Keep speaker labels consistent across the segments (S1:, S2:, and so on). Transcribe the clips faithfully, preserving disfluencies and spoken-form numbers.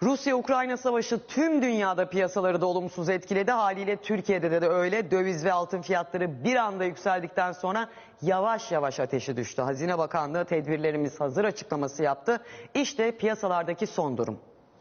S1: Rusya-Ukrayna savaşı tüm dünyada piyasaları da olumsuz etkiledi. Haliyle Türkiye'de de, de öyle. Döviz ve altın fiyatları bir anda yükseldikten sonra yavaş yavaş ateşi düştü. Hazine Bakanlığı tedbirlerimiz hazır açıklaması yaptı. İşte piyasalardaki son durum.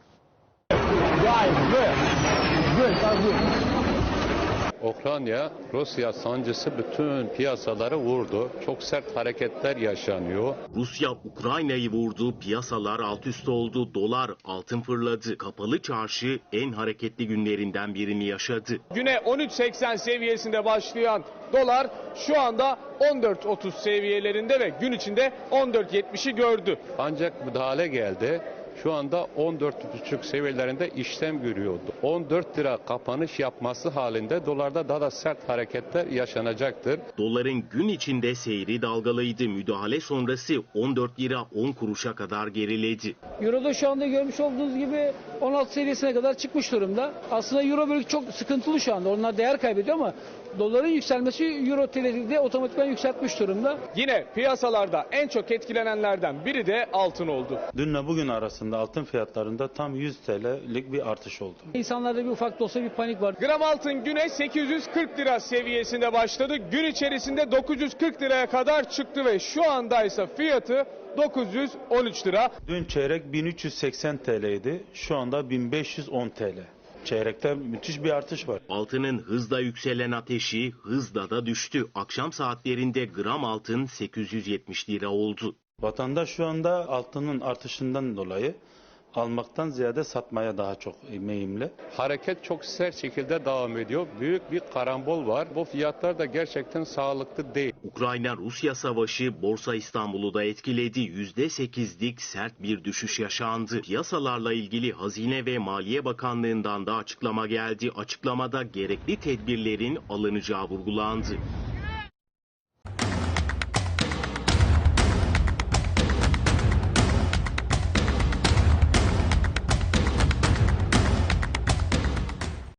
S2: Ukrayna, Rusya sancısı bütün piyasaları vurdu. Çok sert hareketler yaşanıyor.
S3: Rusya Ukrayna'yı vurdu, piyasalar alt üst oldu, dolar, altın fırladı. Kapalı çarşı en hareketli günlerinden birini yaşadı.
S4: Güne on üç seksen seviyesinde başlayan dolar şu anda on dört otuz seviyelerinde ve gün içinde on dört yetmişi gördü.
S2: Ancak müdahale geldi. Şu anda on dört buçuk seviyelerinde işlem görüyordu. on dört lira kapanış yapması halinde dolarda daha da sert hareketler yaşanacaktır.
S3: Doların gün içinde seyri dalgalıydı. Müdahale sonrası on dört lira on kuruşa kadar geriledi.
S5: Euro'da şu anda görmüş olduğunuz gibi on altı seviyesine kadar çıkmış durumda. Aslında Euro bölge çok sıkıntılı şu anda. Onlar değer kaybediyor ama doların yükselmesi Euro T L'de otomatikman yükseltmiş durumda.
S4: Yine piyasalarda en çok etkilenenlerden biri de altın oldu.
S6: Dünle bugün arasında altın fiyatlarında tam yüz T L'lik bir artış oldu.
S5: İnsanlarda bir ufak da olsa bir panik var.
S4: Gram altın güne sekiz yüz kırk lira seviyesinde başladı. Gün içerisinde dokuz yüz kırk liraya kadar çıktı ve şu anda ise fiyatı dokuz yüz on üç lira.
S6: Dün çeyrek bin üç yüz seksen T L'ydi. Şu anda bin beş yüz on T L. Çeyrekte müthiş bir artış var.
S3: Altının hızla yükselen ateşi hızla da düştü. Akşam saatlerinde gram altın sekiz yüz yetmiş lira oldu.
S6: Vatandaş şu anda altının artışından dolayı almaktan ziyade satmaya daha çok meyilli.
S2: Hareket çok sert şekilde devam ediyor. Büyük bir karambol var. Bu fiyatlar da gerçekten sağlıklı değil.
S3: Ukrayna-Rusya savaşı Borsa İstanbul'u da etkiledi. yüzde sekizlik sert bir düşüş yaşandı. Piyasalarla ilgili Hazine ve Maliye Bakanlığı'ndan da açıklama geldi. Açıklamada gerekli tedbirlerin alınacağı vurgulandı.